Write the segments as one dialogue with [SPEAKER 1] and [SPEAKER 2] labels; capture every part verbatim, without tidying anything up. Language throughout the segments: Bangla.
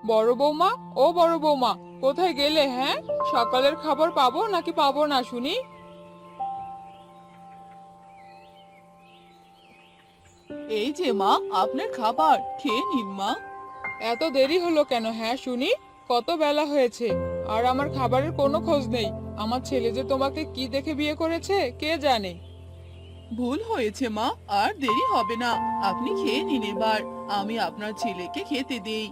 [SPEAKER 1] বড় বৌমা, ও বড় বৌমা, কোথায় গেলে? হ্যাঁ, সকালের খাবার পাবো নাকি পাবো না শুনি?
[SPEAKER 2] এই যে মা, আপনার খাবার খেয়ে নিন মা।
[SPEAKER 1] এত দেরি হলো কেন? হ্যাঁ শুনি, কত বেলা হয়েছে আর আমার খাবারের কোনো খোঁজ নেই। আমার ছেলে যে তোমাকে কি দেখে বিয়ে করেছে কে জানে।
[SPEAKER 2] ভুল হয়েছে মা, আর দেরি হবে না। আপনি খেয়ে নিন এবার, আমি আপনার ছেলেকে খেতে দেই।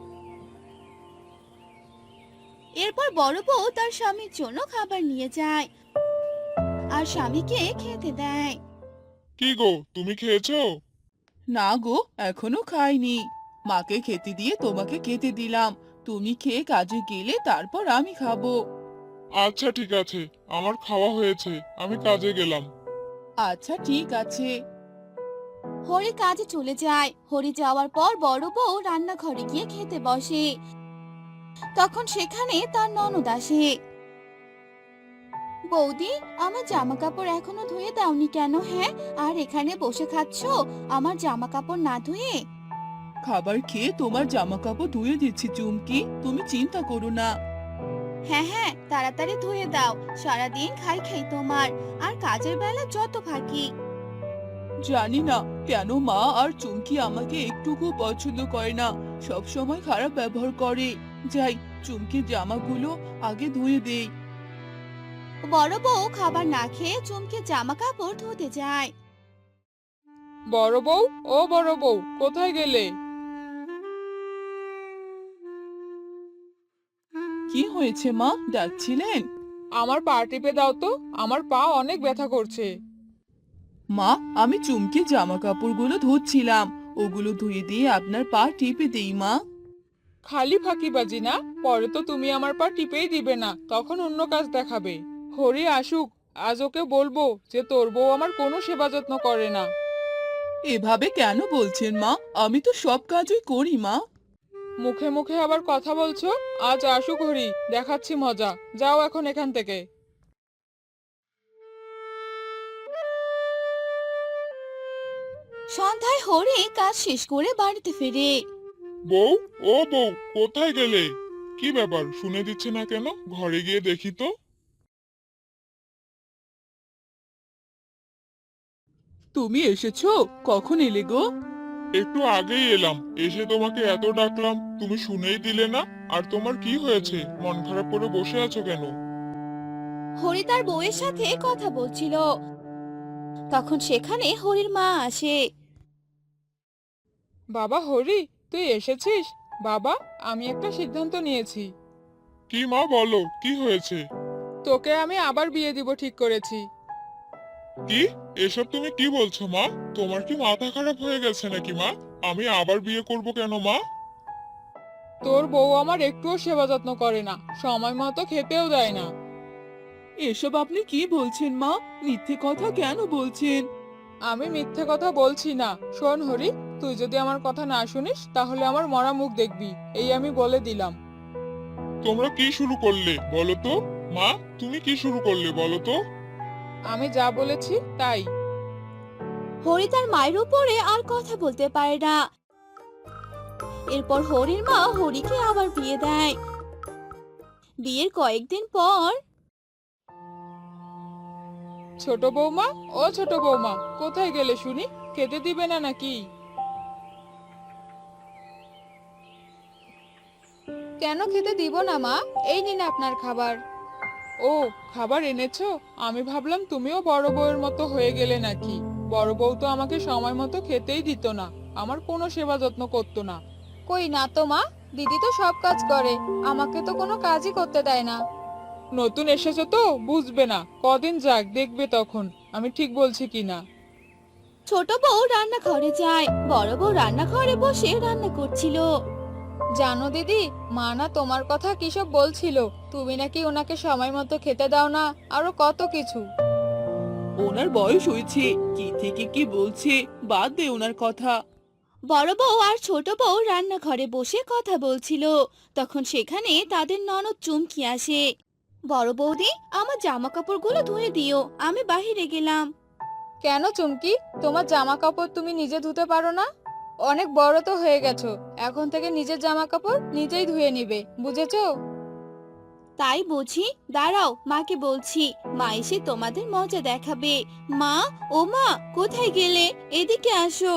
[SPEAKER 3] এরপর বড় বউ তার স্বামীর জন্য খাবার নিয়ে যায় আর স্বামীকে খেতে দেয়।
[SPEAKER 4] কি গো, তুমি খেয়েছো?
[SPEAKER 2] না গো, এখনো খাইনি। মাকে খেতে দিয়ে তোমাকে খেতে দিলাম। তুমি খেয়ে কাজে গেলে তারপর আমি খাবো।
[SPEAKER 4] আচ্ছা ঠিক আছে, আমার খাওয়া হয়েছে, আমি কাজে গেলাম।
[SPEAKER 2] আচ্ছা ঠিক আছে।
[SPEAKER 3] হরি কাজে চলে যায়। হরি যাওয়ার পর বড় বউ রান্নাঘরে গিয়ে খেতে বসে। তখন সেখানে তার ননদ আসে। বৌদি, আমার জামা কাপড় এখনো ধুয়ে দাওনি কেন? হ্যাঁ, আর এখানে বসে খাচ্ছো আমার জামা কাপড় না ধুয়ে?
[SPEAKER 2] খাবার খেয়ে তোমার জামা কাপড় ধুয়ে দিচ্ছি চুমকি, তুমি চিন্তা করো না।
[SPEAKER 3] হ্যাঁ হ্যাঁ, তাড়াতাড়ি ধুয়ে দাও। সারাদিন খাই খাই তোমার, আর কাজের বেলা যত ফাঁকি।
[SPEAKER 2] জানি না কেন মা আর চুমকি আমাকে একটুকু পছন্দ করে না, সব সময় খারাপ ব্যবহার করে। যাই, চুমকির জামাগুলো আগে ধুয়ে দেই।
[SPEAKER 3] বড় বউ খাবার না খেয়ে চুমকে জামা কাপড় ধুতে যায়।
[SPEAKER 1] বড় বউ, ও বড় বউ, কোথায় গেলে?
[SPEAKER 2] কি হয়েছে মা, ডাকছিলেন?
[SPEAKER 1] আমার পা টিপে দাও তো, আমার পা অনেক ব্যথা করছে।
[SPEAKER 2] মা, আমি চুমকির জামা কাপড়গুলো ধুচ্ছিলাম, ওগুলো ধুয়ে দিয়ে আপনার পা টিপে দেই মা।
[SPEAKER 1] খালি ফাঁকিবাজি না? পরে তো তুমি আমার পা টিপেই দিবে না, তখন অন্য কাজ দেখাবে। হরি আসুক, আজ ওকে বলবো যে তোর বউ আমার কোনো সেবা যত্ন করে না।
[SPEAKER 2] এভাবে কেন বলছেন মা? আমি তো সব কাজই করি মা।
[SPEAKER 1] মুখে মুখে আবার কথা বলছো? আজ আসুক হরি, দেখাচ্ছি মজা। যাও এখন এখান থেকে।
[SPEAKER 3] সন্ধ্যায় হরি কাজ শেষ করে বাড়িতে ফিরে।
[SPEAKER 4] বউ, ও বউ, কোথায় গেলে? কি ব্যাপার, শুনে দিচ্ছে না কেন? ঘরে গিয়ে দেখি তো।
[SPEAKER 2] তুমি এসেছো? কখন এলে গো?
[SPEAKER 4] একটু আগেই এলাম, এসে তোমাকে এত ডাকলাম, তুমি শুনেই দিলে না। আর তোমার কি হয়েছে, মন খারাপ করে বসে আছো কেন?
[SPEAKER 3] হরি তার বউয়ের সাথে কথা বলছিল। তখন সেখানে হরির মা আসে।
[SPEAKER 1] বাবা হরি, তুই এসেছিস? বাবা, আমি একটা সিদ্ধান্ত নিয়েছি।
[SPEAKER 4] কি মা, বলো কি হয়েছে?
[SPEAKER 1] তোকে আমি আবার বিয়ে দিব ঠিক করেছি।
[SPEAKER 4] কি? এসব তুমি কি বলছো মা? তোমার কি মাথা খারাপ হয়ে গেছে নাকি মা? আমি আবার বিয়ে করব কেন মা?
[SPEAKER 1] তোর বউ আমার একটুও সেবা যত্ন করে না, সময় মতো খেতেও দেয় না।
[SPEAKER 2] এসব আপনি কি বলছেন মা? মিথ্যে কথা কেন বলছেন?
[SPEAKER 1] আমি মিথ্যে কথা বলছি না। শোন হরি, তুই যদি আমার কথা না শুনিস তাহলে আমার মরা মুখ দেখবি, এই আমি বলে দিলাম।
[SPEAKER 4] তোমরা কি শুরু করলে বলো তো? মা, তুমি কি শুরু করলে বলো তো?
[SPEAKER 1] আমি যা বলেছি তাই।
[SPEAKER 3] হরি তার মায়ের উপরে আর কথা বলতে পারে না। এরপর হরির মা হরিকে আবার বিয়ে দেয়। বিয়ের কয়েকদিন পর
[SPEAKER 1] ছোট বৌমা, ও ছোট বৌমা, কোথায় গেলে শুনি? খেতে দিবে না নাকি? কেন খেতে দিব না মা? এই নিন আপনার খাবার। ও, খাবার এনেছো? আমি ভাবলাম তুমিও বড় বউয়ের মতো হয়ে গেলে নাকি। বড় বউ তো আমাকে সময় মতো খেতেই দিত না, আমার কোনো সেবা যত্ন করতো না। কই না তো মা, দিদি তো সব কাজ করে, আমাকে তো কোনো কাজই করতে দেয় না। নতুন এসেছো তো বুঝবে না, কদিন যাক দেখবে তখন আমি ঠিক বলছি কিনা।
[SPEAKER 3] ছোট বউ রান্নাঘরে যায়। বড় বউ রান্নাঘরে বসে রান্না করছিল।
[SPEAKER 1] জানো দিদি, মা না তোমার কথা কিসব বলছিল, তুমি নাকি ওনাকে সময় মতো খেতে দাও না, আরো কত কিছু।
[SPEAKER 2] ওনার বয়স হয়েছে, কি থেকে কি বলছে, বাদ দে ওনার কথা।
[SPEAKER 3] বড় বউ আর ছোট বউ রান্নাঘরে বসে কথা বলছিল। তখন সেখানে তাদের ননদ চুমকি আসে। বড় বৌদি, আমার জামা কাপড়গুলো ধুয়ে দিও, আমি বাহিরে গেলাম।
[SPEAKER 1] কেন চুমকি, তোমার জামা কাপড় তুমি নিজে ধুতে পারো না?
[SPEAKER 5] অনেক বড় তো হয়ে গেছো, এখন থেকে নিজের জামা কাপড় নিজেই ধুয়ে নিবে, বুঝেছো?
[SPEAKER 3] তাই বুঝি, দাঁড়াও মাকে বলছি, মা এসে তোমাদের মজা দেখাবে। মা, ও মা, কোথায় গেলে? এদিকে আসো।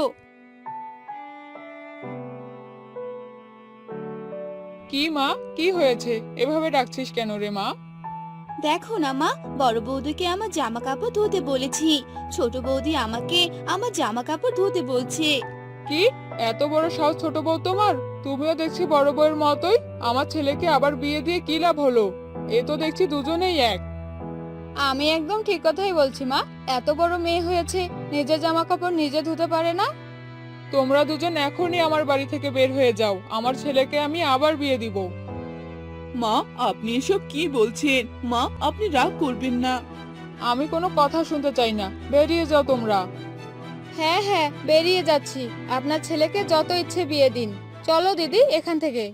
[SPEAKER 1] কি মা, কি হয়েছে? এভাবে ডাকছিস কেন রে মা?
[SPEAKER 3] দেখো না মা, বড় বৌদিকে আমার জামা কাপড় ধুতে বলেছি, ছোট বৌদি আমাকে আমার জামা কাপড় ধুতে বলছে।
[SPEAKER 1] কি, এত বড় সাহস ছোট বউ তোমার? তুমিও দেখছি বড় বউয়ের মতোই। আমার ছেলেকে আবার বিয়ে দিয়ে কি লাভ হলো? এ তো দেখছি দুজনেই এক।
[SPEAKER 5] আমি একদম ঠিক কথাই বলছি মা। এত বড় মেয়ে হয়েছে, নিজের জামা কাপড় নিজে ধুতে পারে না?
[SPEAKER 1] তোমরা দুজন এখনই আমার বাড়ি থেকে বের হয়ে যাও, আমার ছেলেকে আমি আবার বিয়ে দিব।
[SPEAKER 2] মা, আপনি এসব কি বলছেন? মা, আপনি রাগ করবেন না।
[SPEAKER 1] আমি কোনো কথা শুনতে চাই না, বেরিয়ে যাও তোমরা।
[SPEAKER 5] হ্যাঁ হ্যাঁ, বেরিয়ে যাচ্ছি। আপনার ছেলেকে যত ইচ্ছে বিয়ে দিন। চলো দিদি এখান থেকে।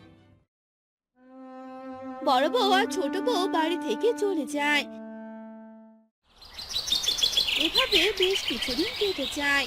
[SPEAKER 3] বড় বউ আর ছোট বউ বাড়ি থেকে চলে যায়। এভাবে বেশ কিছুদিন কেটে যায়।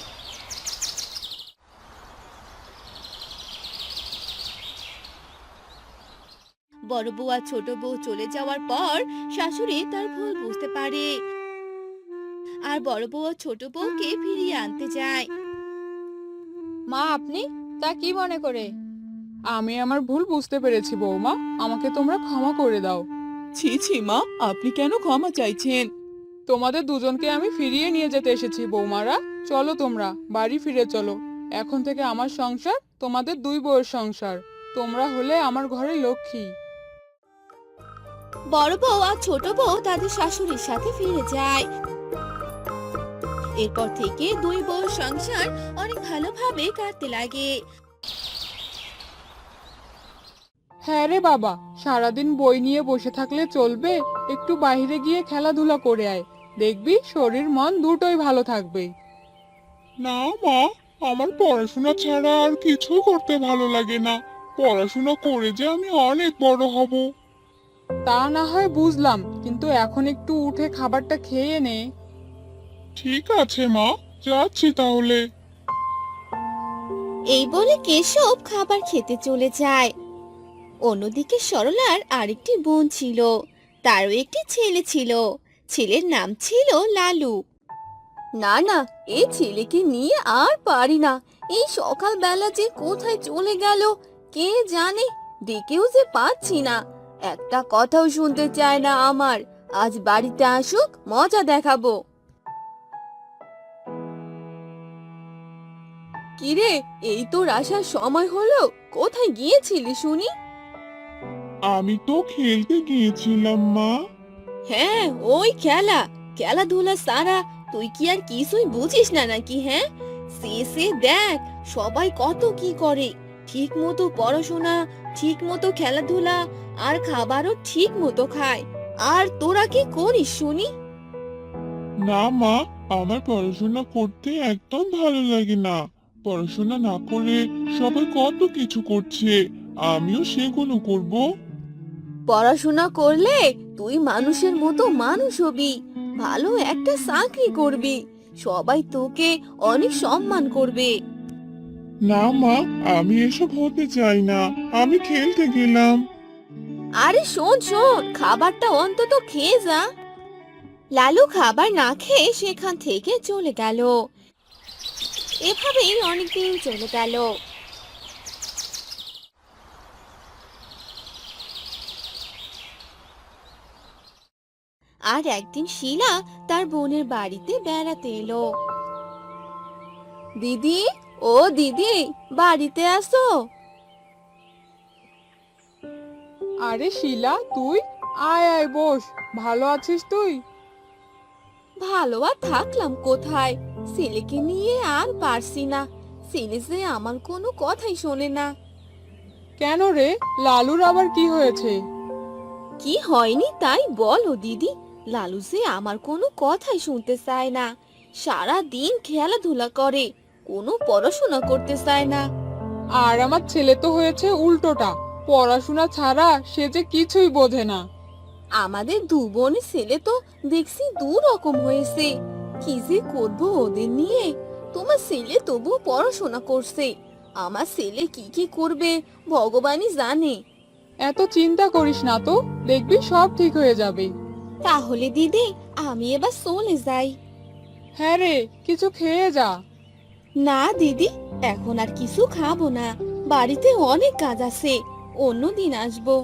[SPEAKER 3] বড় বউ আর ছোট বউ চলে যাওয়ার পর শাশুড়ি তার ভুল বুঝতে পারে আর বড় বউ আর ছোট বউকে ফিরিয়ে আনতে যায়।
[SPEAKER 5] মা আপনি তা কি মনে করে?
[SPEAKER 1] আমি আমার ভুল বুঝতে পেরেছি বৌমা, আমাকে তোমরা ক্ষমা করে দাও।
[SPEAKER 2] ছি ছি মা, আপনি কেন ক্ষমা চাইছেন?
[SPEAKER 1] তোমাদের দুজনকে আমি ফিরিয়ে নিয়ে যেতে এসেছি বৌমারা। চলো তোমরা বাড়ি ফিরে চলো। এখন থেকে আমার সংসার তোমাদের দুই বউয়ের সংসার। তোমরা হলে আমার ঘরে লক্ষ্মী।
[SPEAKER 3] বড় বউ আর ছোট বউ তাদের শাশুড়ির সাথে ফিরে যায়। এরপর থেকে দুই বউর সংসার অনেক ভালোভাবে কাটতে লাগে।
[SPEAKER 1] হ্যাঁ রে বাবা, সারাদিন বই নিয়ে বসে থাকলে চলবে? একটু বাইরে গিয়ে খেলাধুলা করে আয়, দেখবি শরীর মন দুটোই ভালো থাকবে।
[SPEAKER 4] না মা, আমার পড়াশোনা ছাড়া আর কিছুই করতে ভালো লাগে না। পড়াশোনা করে যে আমি অনেক বড় হব।
[SPEAKER 1] তা না হয় বুঝলাম, কিন্তু এখন একটু উঠে খাবারটা খেয়ে নে।
[SPEAKER 4] ঠিক আছে মা, যাচ্ছি তাহলে।
[SPEAKER 3] এই বলে কেশব খাবার খেতে চলে যায়। অন্যদিকে সরলার আরেকটি বোন ছিল, তারও একটি ছেলে ছিল। ছেলের নাম ছিল লালু। না না, এই ছেলেকে নিয়ে আর পারি না। এই সকালবেলা যে কোথায় চলে গেল কে জানে, ডেকেও যে পাচ্ছি না। একটা কথাও শুনতে চায় না আমার। আজ বাড়িতে আসুক, মজা দেখাবো। কিরে, এই তোর আসার সময় হলো? কোথায় গিয়েছিলি শুনি?
[SPEAKER 4] আমি তো খেলতে গিয়েছিলাম মা।
[SPEAKER 3] হ্যাঁ, ওই খেলা খেলাধুলা সারা তুই কি আর কিছুই বুঝিস না নাকি? হ্যাঁ, সে সে দেখ সবাই কত কি করে, ঠিক মতো পড়াশোনা, ঠিক মতো খেলাধুলা, আর খাবারও ঠিক মতো খায়। আর তোরা কি করিস শুনি?
[SPEAKER 4] না মা, আমার পড়াশোনা করতে একদম ভালো লাগে না। পড়াশোনা না করে সবাই কত কিছু করছে, আমিও সেগুলো করব।
[SPEAKER 3] পড়াশোনা করলে তুই মানুষের মতো মানুষ হবি, ভালো একটা চাকরি করবি, সবাই তোকে অনেক সম্মান করবে।
[SPEAKER 4] না মা, আমি এসব হতে চাই না, আমি খেলতে গেলাম।
[SPEAKER 3] আরে শোন শোন, খাবারটা অন্তত খেয়ে যা। লালু খাবার না খেয়ে সেখান থেকে চলে গেল। এভাবেই অনেকদিন চলে গেল। আর একদিন শিলা তার বোনের বাড়িতে বেড়াতে এলো। দিদি, ও দিদি, বাড়িতে আসো।
[SPEAKER 1] আরে শিলা, তুই আয় আয় বস। ভালো আছিস তুই?
[SPEAKER 3] ভালো আর থাকলাম কোথায়, ছেলেকে নিয়ে আর পারছি না। ছেলে যে আমার কোনো কথাই শোনে না।
[SPEAKER 1] কেন রে, লালুর আবার কি হয়েছে?
[SPEAKER 3] কি হয়নি তাই বলো দিদি। লালু যে আমার কোনো কথাই শুনতে চায় না, সারা দিন খেলাধুলা করে, কোনো পড়াশোনা করতে চায় না।
[SPEAKER 1] আর আমার ছেলে তো হয়েছে উল্টোটা, পড়াশোনা ছাড়া সে যে কিছুই বোঝে না।
[SPEAKER 3] আমাদের দু বোনের ছেলে তো দেখছি দু রকম হয়েছে। কি যে করবো ওদের নিয়ে। তোমার ছেলে তবু পড়াশোনা করছে, আমার ছেলে কি কি করবে ভগবানই জানে।
[SPEAKER 1] এত চিন্তা করিস না তো, দেখবি সব ঠিক হয়ে যাবে।
[SPEAKER 3] তাহলে দিদি আমি এবার চলে যাই।
[SPEAKER 1] হ্যাঁ রে, কিছু খেয়ে যা।
[SPEAKER 3] না দিদি, এখন আর কিছু খাবো না, বাড়িতে অনেক কাজ আছে, অন্য দিন আসবো।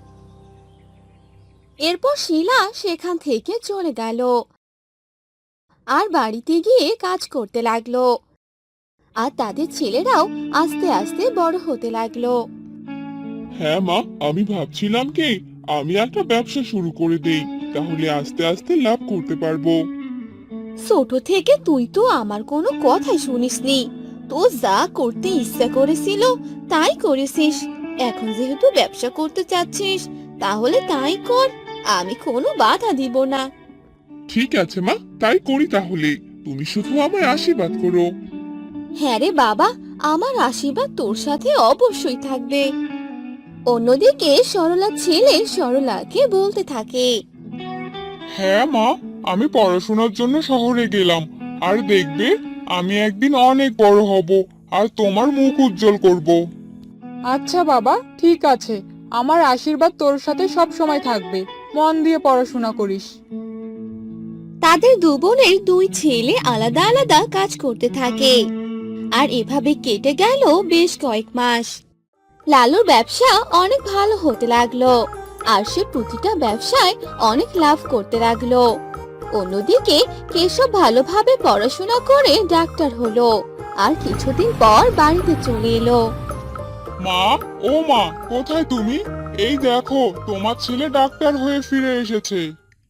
[SPEAKER 3] এরপর শিলা সেখান থেকে চলে গেল আর বাড়িতে গিয়ে কাজ করতে লাগলো। আর তাদের ছেলেরাও আস্তে আস্তে বড় হতে লাগলো।
[SPEAKER 4] হ্যাঁ মা, আমি ভাবছিলাম কি আমি একটা ব্যবসা শুরু করে দেই, তাহলে আস্তে আস্তে লাভ করতে পারবো।
[SPEAKER 3] ছোট থেকে তুই তো আমার কোনো কথাই শুনিসনি, তো যা করতে ইচ্ছা করেছিল তাই করেছিস। এখন যেহেতু ব্যবসা করতে চাচ্ছিস তাহলে তাই কর, আমি কোনো বাধা দিব না।
[SPEAKER 4] ঠিক আছে মা, তাই করি তাহলে। তুমি শুধু আমায় আশীর্বাদ করো।
[SPEAKER 3] হ্যাঁ রে বাবা, আমার আশীর্বাদ তোর সাথে অবশ্যই থাকবে। অন্যদিকে সরলা ছেলে সরলাকে বলতে থাকে,
[SPEAKER 4] হ্যাঁ মা, আমি পড়াশোনার জন্য শহরে গেলাম, আর দেখবে আমি একদিন অনেক বড় হব আর তোমার মুখ উজ্জ্বল করব।
[SPEAKER 1] আচ্ছা বাবা, ঠিক আছে, আমার আশীর্বাদ তোর সাথে সব সময় থাকবে। মন দিয়ে পড়াশোনা করিস।
[SPEAKER 3] তাদের দু বোনের দুই ছেলে আলাদা আলাদা কাজ করতে থাকে। আর এভাবে কেটে গেল বেশ কয়েক মাস। লালুর ব্যবসা অনেক ভালো হতে লাগলো আর সে প্রতিটা ব্যবসায় অনেক লাভ করতে লাগলো। অন্যদিকে কেশব ভালোভাবে পড়াশোনা করে ডাক্তার হলো আর কিছুদিন পর বাড়িতে চলে এলো।
[SPEAKER 4] মা, ও মা, কোথায় তুমি? এই দেখো, তোমার ছেলে ডাক্তার হয়ে ফিরে এসেছে।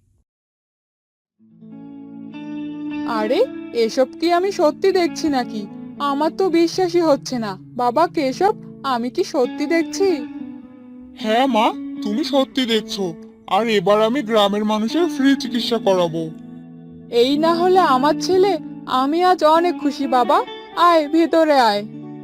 [SPEAKER 1] আরে, এসব কি আমি সত্যি দেখছি নাকি? আমার তো বিশ্বাসই হচ্ছে না। বাবা কেশব, আমি কি সত্যি দেখছি?
[SPEAKER 4] হ্যাঁ মা, তুমি সত্যি দেখছো। আর এবার আমি গ্রামের মানুষের ফ্রি চিকিৎসা করাবো।
[SPEAKER 1] এই না হলে আমার ছেলে, আমি আজ অনেক খুশি বাবা। আয় ভিতরে আয়।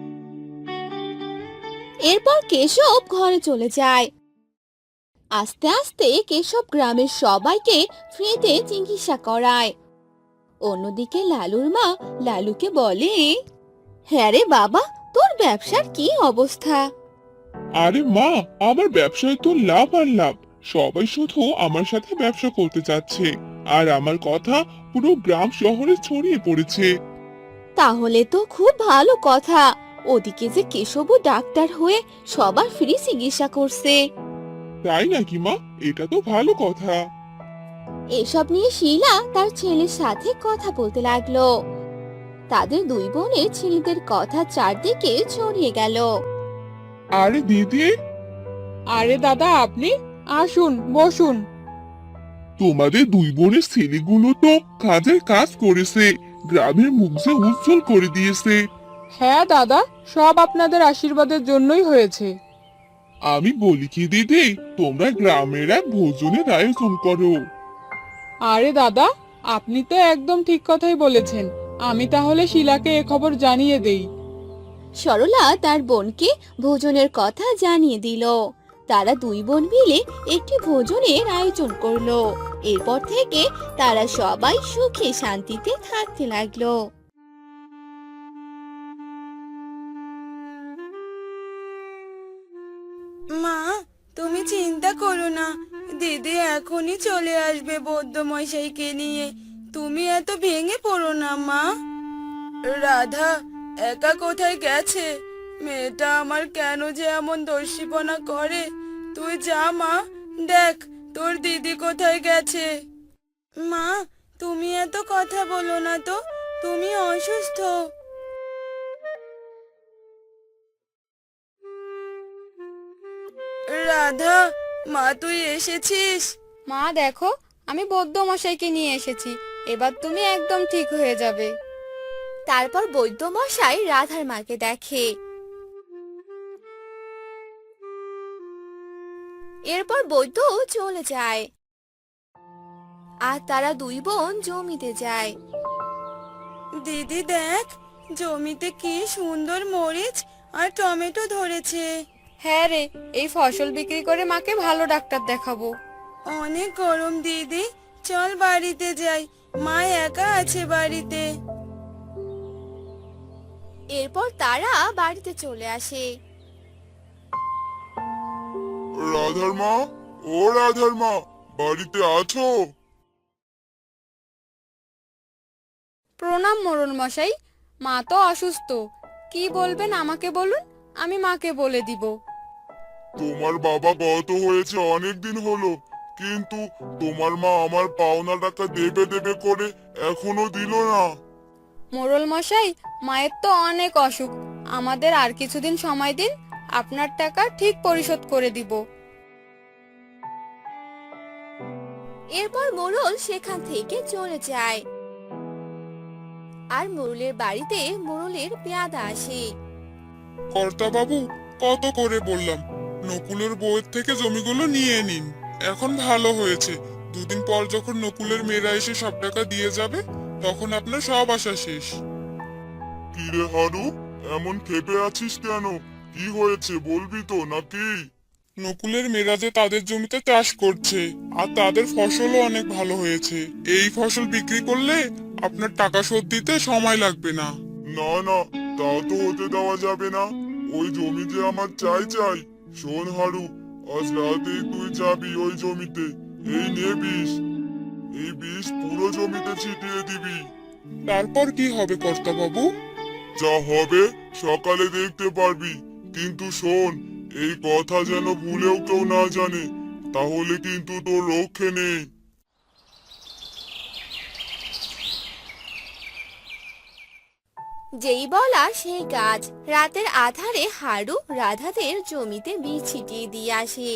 [SPEAKER 3] এরপর কেশব ঘরে চলে যায়। আস্তে আস্তে কেশব গ্রামের সবাইকে ফ্রিতে চিকিৎসা করায়। অন্যদিকে লালুর মা লালুকে বলে, হ্যাঁ রে বাবা, তোর ব্যবসার কি অবস্থা?
[SPEAKER 4] আরে মা, আমার ব্যবসায় তো লাভ আর লাভ। সবাই শুধু আমার সাথে ব্যবসা করতে চাচ্ছে, আর আমার কথা পুরো গ্রাম শহরে ছড়িয়ে পড়েছে।
[SPEAKER 3] তাহলে তো খুব ভালো কথা। ওদিকে যে কেশবও ডাক্তার হয়ে সবার ফ্রি চিকিৎসা করছে।
[SPEAKER 4] তাই নাকি মা? এটা তো ভালো কথা।
[SPEAKER 3] এসব নিয়ে শিলা তার ছেলের সাথে কথা বলতে লাগলো। তাদের দুই বোনের ছেলেদের কথা চারদিকে ছড়িয়ে গেল।
[SPEAKER 4] আরে দিদি,
[SPEAKER 1] আরে দাদা, আপনি আসুন, বসুন।
[SPEAKER 4] তোমাদের দুই বোনের ছেলেগুলো তো কাজের কাজ করেছে, গ্রামের মুখ যে উজ্জ্বল করে দিয়েছে।
[SPEAKER 1] হ্যাঁ দাদা, সব আপনাদের আশীর্বাদের জন্যই হয়েছে।
[SPEAKER 4] আমি বলি কি দিদি, তোমরা গ্রামের এক ভোজনের আয়োজন করো।
[SPEAKER 1] আরে দাদা, আপনি তো একদম ঠিক কথাই বলেছেন। আমি তাহলে শিলাকে এ খবর জানিয়ে দেই।
[SPEAKER 3] সরলা তার বোনকে ভোজনের কথা জানিয়ে দিল। তারা দুই বোন মিলে একটি ভোজনের আয়োজন করলো। এরপর থেকে তারা সবাই সুখে শান্তিতে থাকতে লাগলো।
[SPEAKER 6] মা, তুমি চিন্তা করো না, দিদি এখনই চলে আসবে বৌদ্ধ মশাইকে নিয়ে। তুমি এত ভেঙে পড়ো না মা। রাধা একা কোথায় গেছে? মেয়েটা আমার কেন যে এমন দস্যিপনা করে? তুই যা মা, দেখ তোর দিদি কোথায় গেছে। মা, তুমি এত কথা বলো না তো, তুমি অসুস্থ। রাধা, মা তুই এসেছিস?
[SPEAKER 5] মা দেখো, আমি বৌদ্ধ মশাইকে নিয়ে এসেছি। এবার তুমি একদম ঠিক হয়ে যাবে।
[SPEAKER 3] তারপর বৈদ্য মশাই রাধার মাকে দেখে। এরপর বৈদ্য চলে যায় আর তারা দুই বোন জমিতে যায়।
[SPEAKER 6] দিদি দেখ, জমিতে কি সুন্দর মরিচ আর টমেটো ধরেছে।
[SPEAKER 5] হ্যাঁ রে, এই ফসল বিক্রি করে মাকে ভালো ডাক্তার দেখাবো।
[SPEAKER 6] অনেক গরম দিদি, চল বাড়িতে যাই, মা একা আছে বাড়িতে।
[SPEAKER 3] এরপর তারা বাড়িতে চলে আসে।
[SPEAKER 4] রাধার মা, ও রাধার মা, বাড়িতে আছো?
[SPEAKER 5] প্রণাম মোড়ল মশাই। মা তো অসুস্থ, কি বলবেন আমাকে বলুন, আমি মাকে বলে দিব।
[SPEAKER 4] তোমার বাবা গত হয়েছে অনেক দিন হলো, কিন্তু তোমার মা আমার পাওনা টাকা দেবে দেবে করে এখনো দিল না।
[SPEAKER 5] মোড়ল মশাই, মায়ের তো অনেক অসুখ, আমাদের আর কিছুদিন সময় দিন, আপনার টাকা ঠিক পরিশোধ করে দিব।
[SPEAKER 3] এরপর মোড়ল সেখান থেকে চলে যায়। আর মোড়লের বাড়িতে মোড়লের পেয়াদা আসে।
[SPEAKER 4] কর্তা বাবু, কত করে বললাম নকুলের বউয়ের থেকে জমিগুলো নিয়ে নিন। এখন ভালো হয়েছে, দুদিন পর যখন নকুলের মেয়েরা এসে সব টাকা দিয়ে যাবে, তখন আপনার সব আশা শেষ। কিরে হারু, এমন ক্ষেপে আছিস কেন? কি হয়েছে বলবি তো নাকি? নকুলের মেয়েরা যে তাদের জমিতে চাষ করছে, আর তাদের ফসলও অনেক ভালো হয়েছে। এই ফসল বিক্রি করলে আপনার টাকা শোধ দিতে সময় লাগবে না। না না, তাও তো হতে দেওয়া যাবে না। ওই জমি যে আমার চাই চাই। শোন হারু, আজ রাতেই তুই যাবি ওই জমিতে। এই নে বিষ, এই বিষ পুরো জমিতে ছিটিয়ে দিবি। তারপর কি হবে কর্তা বাবু? যা হবে সকালে দেখতে পারবি। কিন্তু শোন, এই কথা যেন ভুলেও কেউ না জানে, তাহলে কিন্তু তোর রক্ষে নেই।
[SPEAKER 3] যেই বলা সেই কাজ। রাতের আধারে হারু রাধাদের জমিতে বীজ ছিটিয়ে দিয়ে আসে।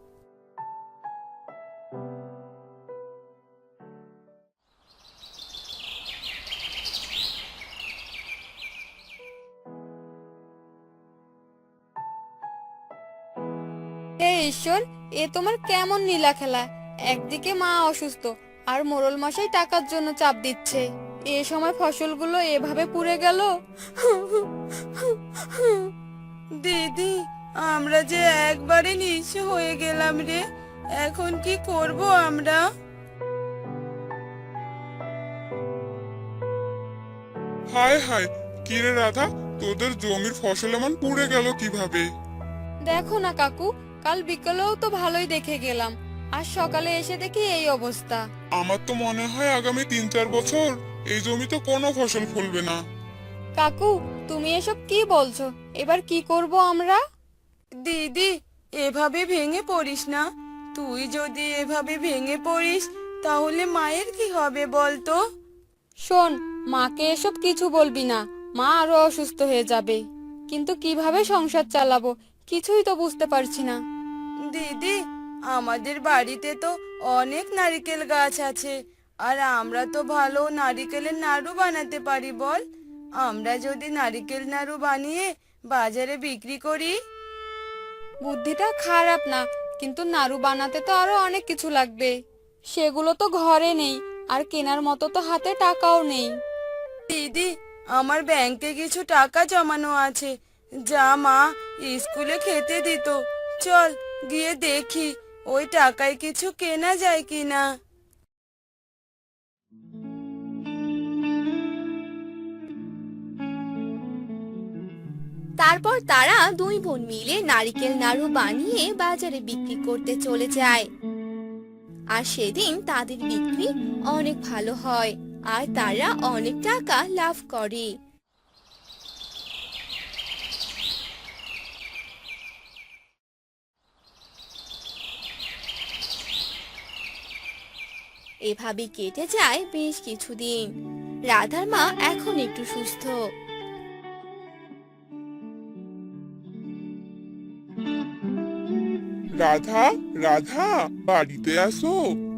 [SPEAKER 5] হে ঈশ্বর, এ তোমার কেমন নীলা খেলা! একদিকে মা অসুস্থ, আর মোড়ল মশাই টাকার জন্য চাপ দিচ্ছে, এ সময় ফসলগুলো এভাবে পুড়ে গেল।
[SPEAKER 6] দিদি, আমরা যে একবারে নিঃস্ব হয়ে গেলাম রে। এখন কি করব আমরা?
[SPEAKER 4] হায় হায়, কিরে রাধা, তোদের জমির ফসল এমন পুড়ে গেল কিভাবে?
[SPEAKER 5] দেখো না কাকু, কাল বিকেলেও তো ভালোই দেখে গেলাম, আর সকালে এসে দেখি এই অবস্থা।
[SPEAKER 4] আমার তো মনে হয় আগামী তিন চার বছর এই জমিতে কোনো ফসল ফলবে না।
[SPEAKER 5] কাকু, তুমি এসব কি বলছো? এবার কি করব আমরা?
[SPEAKER 6] দিদি, এভাবে ভেঙে পড়িস না। তুই যদি এভাবে ভেঙে পড়িস, তাহলে মায়ের কি হবে বলতো?
[SPEAKER 5] শোন, মাকে এসব কিছু বলবি না, মা আরো অসুস্থ হয়ে যাবে। কিন্তু কিভাবে সংসার চালাবো কিছুই তো বুঝতে পারছি না।
[SPEAKER 6] দিদি, আমাদের বাড়িতে তো অনেক নারকেল গাছ আছে, আর আমরা তো ভালো নারকেলের নাড়ু বানাতে পারি বল। আমরা যদি নারকেল নাড়ু বানিয়ে বাজারে বিক্রি করি।
[SPEAKER 5] বুদ্ধিটা খারাপ না, কিন্তু নাড়ু বানাতে তো আরো অনেক কিছু লাগবে, সেগুলো তো ঘরে নেই, আর কেনার মতো তো হাতে টাকাও নেই।
[SPEAKER 6] দিদি, আমার ব্যাংকে কিছু টাকা জমানো আছে, যা মা স্কুলে খেতে দিত। চল গিয়ে দেখি ওই টাকায় কিছু কেনা যায় কিনা।
[SPEAKER 3] তারপর তারা দুই বোন মিলে নারকেল নাড়ু বানিয়ে বাজারে বিক্রি করতে চলে যায়। আর সেদিন তাদের বিক্রি অনেক ভালো হয়, আর তারা অনেক টাকা লাভ করে। এভাবে কেটে যায় বেশ কিছুদিন। রাধার মা এখন একটু সুস্থ।
[SPEAKER 4] রাধা, রাধা, বাড়িতে আসো।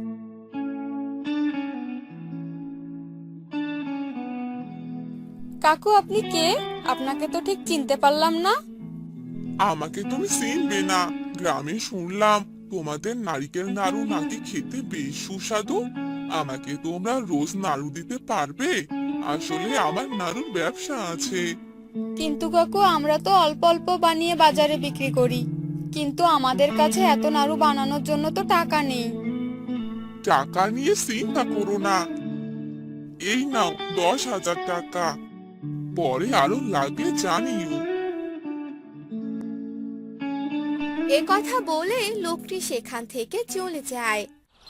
[SPEAKER 5] কাকু, আপনি কে? আপনাকে তো ঠিক চিনতে পারলাম না।
[SPEAKER 4] আমাকে তুমি চিনবে না? গ্রামে শুনলাম তোমাদের নারকেল নাড়ু নাকি খেতে বেশ সুস্বাদু। আমাকে তোমরা রোজ নাড়ু দিতে পারবে? আসলে আমার নাড়ুর ব্যবসা আছে।
[SPEAKER 5] কিন্তু কাকু, আমরা তো অল্প অল্প বানিয়ে বাজারে বিক্রি করি, কিন্তু আমাদের কাছে এত নাড়ু বানানোর জন্য তো টাকা নেই।
[SPEAKER 4] টাকা নিয়ে চিন্তা করো না, এই নাও দশ হাজার টাকা। পরে আরো লাগলে জানিও।
[SPEAKER 3] এ কথা বলে লোকটি সেখান থেকে চলে যায়।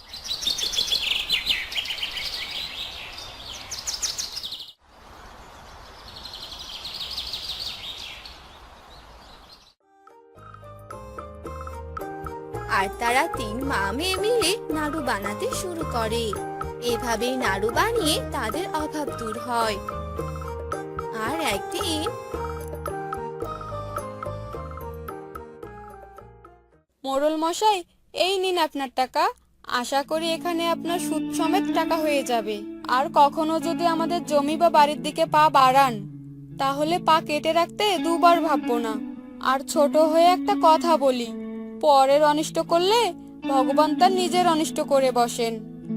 [SPEAKER 3] আর তারা তিন মা মেয়ে মিলে নাড়ু বানাতে শুরু করে। এভাবেই নাড়ু বানিয়ে তাদের অভাব দূর হয়। আর একদিন
[SPEAKER 5] মোড়ল মশাই, এই নিন আপনার টাকা। আশা করি এখানে আপনার সুদ সমেত টাকা হয়ে যাবে। আর কখনো যদি আমাদের জমি বা বাড়ির দিকে পা বাড়ান, তাহলে পা কেটে রাখতে দুবার ভাববো না। আর ছোট হয়ে একটা কথা বলি, পরের অনিষ্ট করলে ভগবান তার নিজের অনিষ্ট করে বসেন।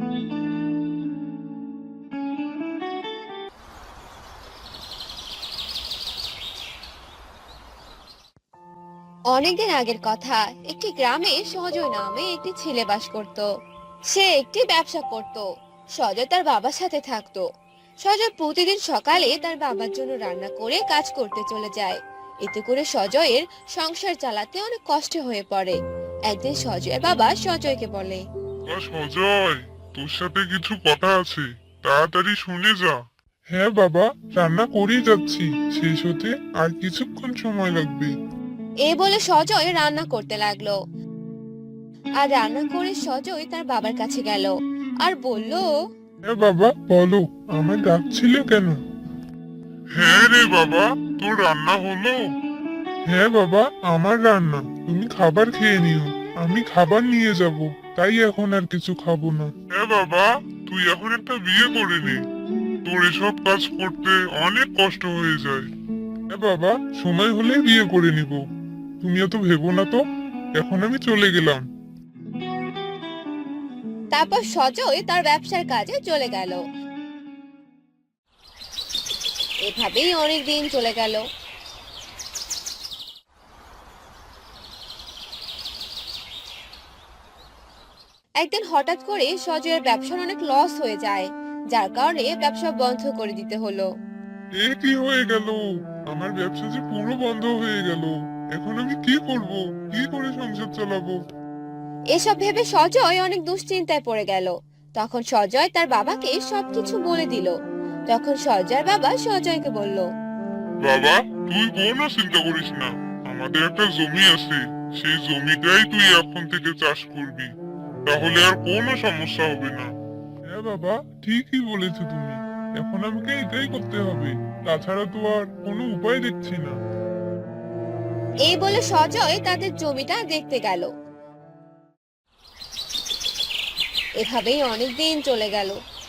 [SPEAKER 3] অনেকদিন আগের কথা, একটি গ্রামে সজয় নামে একটি ছেলে বাস করত। সে একটি ব্যবসা করত। সজয় তার বাবার সাথে থাকতো। সজয় প্রতিদিন সকালে তার বাবার জন্য রান্না করে কাজ করতে চলে যায়। এতে করে সজয়ের সংসার চালাতে অনেক কষ্ট হয়ে পড়ে। একদিন সজয়ের বাবা সজয়কে বলে,
[SPEAKER 4] আ, সজয়, তোর সাথে কিছু কথা আছে, তাড়াতাড়ি শুনে যা। হ্যাঁ বাবা, রান্না করেই যাচ্ছি, শেষ হতে আর কিছুক্ষণ সময় লাগবে।
[SPEAKER 3] এই বলে সজয় রান্না করতে লাগলো। আর রান্না করে সজয় তার বাবার কাছে গেল আর বলল,
[SPEAKER 4] হ্যাঁ বাবা, বলো, আমায় ডাকছিলে কেন? হ্যাঁ রে বাবা, তোর রান্না হলো? হ্যাঁ বাবা, আমার রান্না, তুমি খাবার খেয়ে নিও, আমি খাবার নিয়ে যাব, তাই এখন আর কিছু খাবো না। হ্যাঁ বাবা, তুই এখন একটা বিয়ে করে নে, তোর এসব কাজ করতে অনেক কষ্ট হয়ে যায়। হ্যাঁ বাবা, সময় হলে বিয়ে করে নিব, তুমি এত ভেবো না তো, এখন আমি চলে গেলাম।
[SPEAKER 3] তারপর সজয় তার ব্যবসার কাজে চলে গেল। এভাবেই অনেক দিন চলে গেল। একদিন হঠাৎ করে সজয়ের ব্যবসার অনেক লস হয়ে যায়, যার কারণে ব্যবসা বন্ধ করে দিতে হলো।
[SPEAKER 4] এ কি হয়ে গেল, আমার ব্যবসা যে পুরো বন্ধ হয়ে গেল, এখন আমি কি করব, কি করে সংসার চালাবো?
[SPEAKER 3] এসব ভেবে সজয় অনেক দুশ্চিন্তায় পড়ে গেল। তখন সজয় তার বাবাকে সবকিছু বলে দিল। তখন সজয়ের বাবা সজয়কে বলল,
[SPEAKER 4] বাবা, তুই কোনো চিন্তা করিস না, আমাদের একটা জমি আছে, সেই জমিটাই তুই এখন থেকে চাষ করবি, তাহলে আর কোনো সমস্যা হবে না। হ্যাঁ বাবা, ঠিকই বলেছো তুমি, এখন আমাকে এটাই করতে হবে, তাছাড়া তো আর কোনো উপায় দেখছি না।
[SPEAKER 3] এই বলে সজয় তাদের জমিটা দেখতে গেল। এভাবেই অনেক দিন চলে গেল।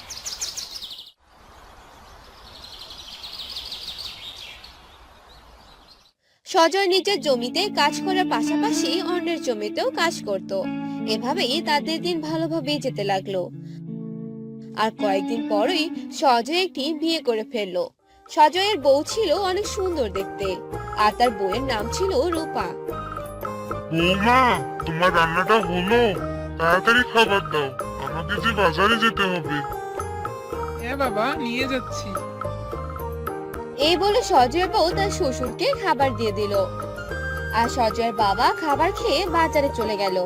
[SPEAKER 3] সজয় নিজের জমিতে কাজ করার পাশাপাশি অন্যের জমিতেও কাজ করত। এভাবেই তাদের দিন ভালোভাবেই যেতে লাগলো। আর কয়েকদিন পরই সজয় একটি বিয়ে করে ফেললো। সজয়ের বউ ছিল অনেক সুন্দর দেখতে, আর তার বউয়ের নাম ছিল রূপা।
[SPEAKER 4] বৌমা, তোমার রান্নাটা হলো? তাড়াতাড়ি খাবার দাও, আমাকে যে বাজারে যেতে হবে।
[SPEAKER 1] হ্যাঁ বাবা, নিয়ে যাচ্ছি।
[SPEAKER 3] এই বলে সজয়ের বউ তার শ্বশুরকে খাবার দিয়ে দিল। আর সজয়ের বাবা খাবার খেয়ে বাজারে চলে গেল।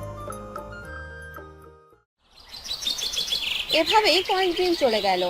[SPEAKER 3] এভাবেই কয়েকদিন চলে গেল।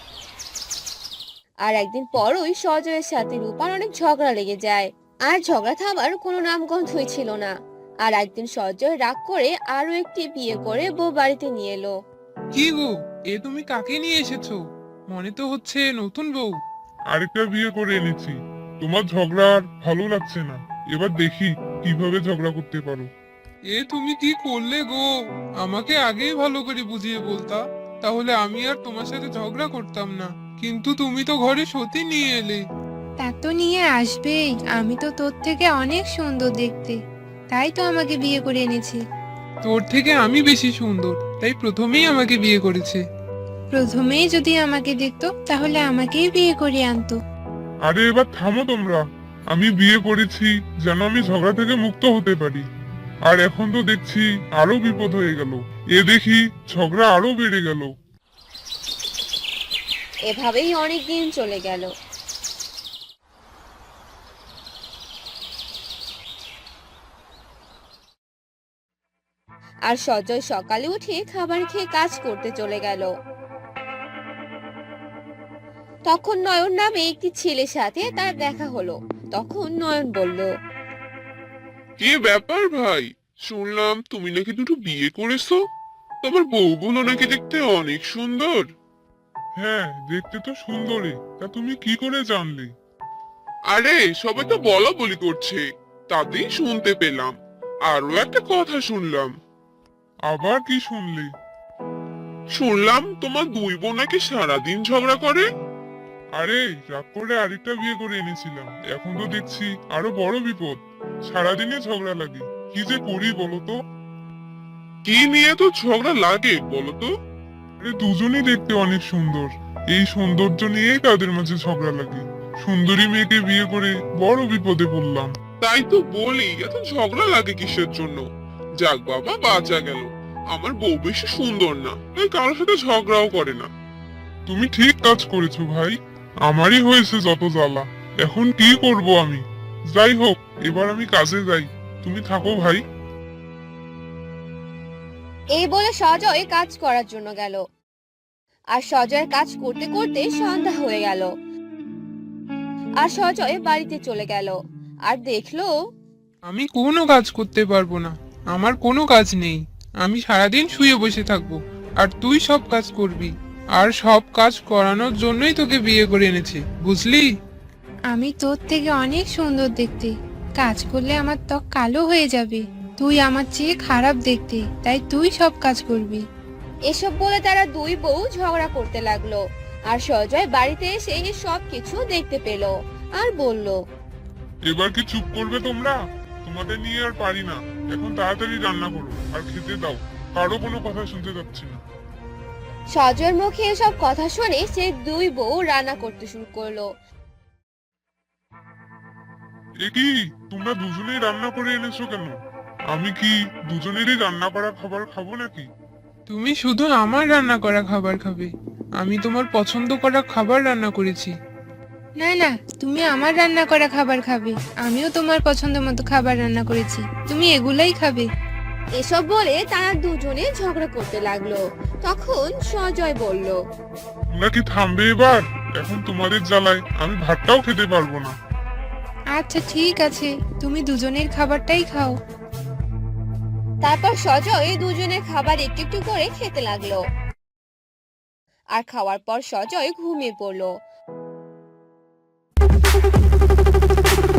[SPEAKER 3] আর একদিন পরই সজয়ের সাথে রূপার অনেক ঝগড়া লেগে যায়। আর ঝগড়া থামার কোনো নামগন্ধই ছিল না। আর একদিন সজয় রাগ করে আরো একটি বিয়ে করে বউ বাড়িতে নিয়ে এলো।
[SPEAKER 1] কি গো, এ তুমি কাকে নিয়ে এসেছো? মনে তো হচ্ছে নতুন বউ।
[SPEAKER 4] আরেকটা বিয়ে করে এনেছি, তোমার ঝগড়া আর ভালো লাগছে না, এবার দেখি কিভাবে ঝগড়া করতে পারো।
[SPEAKER 1] এ তুমি কি করলে গো? আমাকে আগেই ভালো করে বুঝিয়ে বলতা, তাহলে আমি আর তোমার সাথে ঝগড়া করতাম না। কিন্তু তুমি তো ঘরে সতী নিয়ে এলে।
[SPEAKER 7] তা তো নিয়ে আসবেই, আমি তো তোর থেকে অনেক সুন্দর দেখতে, তাই তো আমাকে বিয়ে করে এনেছে।
[SPEAKER 1] তোর থেকে আমি বেশি সুন্দর, তাই প্রথমেই আমাকে বিয়ে করেছে।
[SPEAKER 7] প্রথমেই যদি আমাকে দেখতো তাহলে আমাকেই বিয়ে করে আনতো।
[SPEAKER 4] আরে এবার থামো তোমরা, আমি বিয়ে করেছি যেন আমি ঝগড়া থেকে মুক্ত হতে পারি, আর এখন তো দেখছি আরো বিপদ হয়ে গেল, এ দেখি ঝগড়া আরো বেড়ে গেল।
[SPEAKER 3] এভাবেই অনেক দিন চলে গেল। আর সজয় সকালে উঠে খাবার খেয়ে কাজ করতে চলে গেল। তখন নয়ন নামে একটি ছেলের সাথে তার দেখা হলো। তখন নয়ন বলল,
[SPEAKER 4] কি ব্যাপার ভাই, শুনলাম তুমি নাকি দুটো বিয়ে করেছো। তোমার বউগুলো নাকি দেখতে অনেক সুন্দর। হ্যাঁ, দেখতে তো সুন্দরী, তা তুমি কি করে জানলে? আরে সবাই তো বলা বলি করছে, তাতেই শুনতে পেলাম। আরো একটা কথা শুনলাম। আবার কি শুনলি? শুনলাম তোমার দুই বোন নাকি সারাদিন ঝগড়া করে। আরে রাগ করে আরেকটা বিয়ে করে এনেছিলাম, এখন তো দেখছি আরো বড় বিপদ। সারাদিনে ঝগড়া লাগে, কি যে করি বলতো। কি নিয়ে তো ঝগড়া লাগে বলতো? আরে দুজনেই দেখতে অনেক সুন্দর, এই সৌন্দর্য নিয়েই তাদের মাঝে ঝগড়া লাগে। সুন্দরী মেয়েকে বিয়ে করে বড় বিপদে পড়লাম। তাই তো বলি, এত ঝগড়া লাগে কিসের জন্য? যাক বাবা, বাঁচা গেল। আমার বউ বেশি সুন্দর না, তাই কারোর সাথে ঝগড়াও করে না। তুমি ঠিক কাজ করেছো ভাই, আমারই হয়েছে যত জ্বালা। এখন কি করব আমি? যাই হোক, এবার আমি কাজে যাই, তুমি থাকো ভাই।
[SPEAKER 3] এই বলে সজয় কাজ করার জন্য গেল। আর সজয়ের কাজ করতে করতে সন্ধ্যা হয়ে গেল। আর সজয় বাড়িতে চলে গেল আর দেখলো
[SPEAKER 1] আমি কোনো কাজ করতে পারবো না, আমার কোনো কাজ নেই। আমি সারাদিন শুয়ে বসে থাকবো, আর তুই সব কাজ করবি। আর সব কাজ করানোর জন্যই তোকে বিয়ে করে এনেছে, বুঝলি?
[SPEAKER 7] আমি তোর থেকে অনেক সুন্দর দেখতে, কাজ করলে আমার ত্বক কালো হয়ে যাবে। তুই আমার চেয়ে খারাপ দেখতে, তাই তুই সব কাজ করবি।
[SPEAKER 3] এসব বলে তারা দুই বউ ঝগড়া করতে লাগলো। আর সজয় বাড়িতে এসে সব কিছু দেখতে পেল আর বলল,
[SPEAKER 4] এবার কি চুপ করবে তোমরা? তোমাদের নিয়ে আর পারি না, এখন তাড়াতাড়ি রান্না করো আর খেতে দাও, কারো কোনো কথা শুনতে যাচ্ছি না।
[SPEAKER 3] সজয়ের মুখে এসব কথা শুনে সে দুই বউ রান্না করতে শুরু করলো।
[SPEAKER 4] এ কি, তোমরা দুজনেই রান্না করে এনেছো কেন? আমি কি দুজনেরই রান্না করা খাবার খাবো নাকি?
[SPEAKER 1] তুমি শুধু আমার রান্না করা খাবার খাবে, আমি তোমার পছন্দ করা খাবার রান্না করেছি।
[SPEAKER 7] না না, তুমি আমার রান্না করা খাবার খাবে, আমিও তোমার পছন্দ মতো খাবার রান্না করেছি, তুমি এগুলাই খাবে।
[SPEAKER 3] এসব বলে তারা দুজনে ঝগড়া করতে লাগলো। তখন সজয় বলল,
[SPEAKER 4] তোমরা কি থামবে এবার? এখন তোমাদের জ্বালায় আমি ভাতটাও খেতে পারবো না।
[SPEAKER 7] আচ্ছা ঠিক আছে, তুমি দুজনের খাবারটাই খাও।
[SPEAKER 3] তারপর সজয় দুজনের খাবার একটু একটু করে খেতে লাগলো। আর খাওয়ার পর সজয় ঘুমিয়ে পড়লো।